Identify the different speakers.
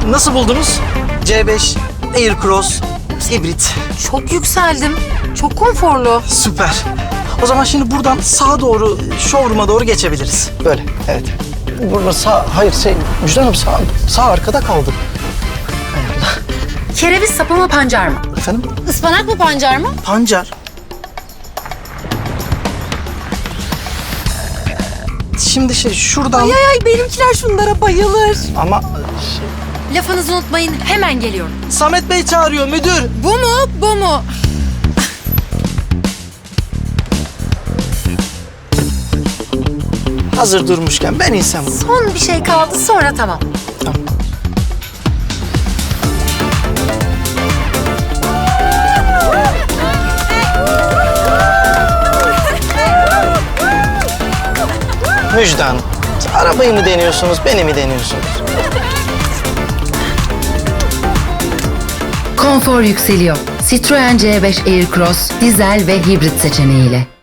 Speaker 1: Nasıl buldunuz? C5, Aircross, hibrit.
Speaker 2: Çok yükseldim. Çok konforlu.
Speaker 1: Süper. O zaman şimdi buradan sağa doğru, showroom'a doğru geçebiliriz. Böyle, evet. Burada sağ, hayır Müjde Hanım sağ arkada kaldı. Hay Allah.
Speaker 2: Kereviz sapı mı pancar mı?
Speaker 1: Efendim?
Speaker 2: Ispanak mı pancar mı?
Speaker 1: Pancar. Şimdi şuradan...
Speaker 2: Ay benimkiler şunlara bayılır.
Speaker 1: Ama
Speaker 2: Lafınızı unutmayın, hemen geliyorum.
Speaker 1: Samet Bey çağırıyor müdür.
Speaker 2: Bu mu, bu mu?
Speaker 1: Hazır durmuşken ben insem.
Speaker 2: Son bir şey kaldı, sonra tamam.
Speaker 1: Tamam. Müjde Hanım, arabayı mı deniyorsunuz, beni mi deniyorsunuz?
Speaker 3: Konfor yükseliyor. Citroen C5 Aircross dizel ve hibrit seçeneğiyle.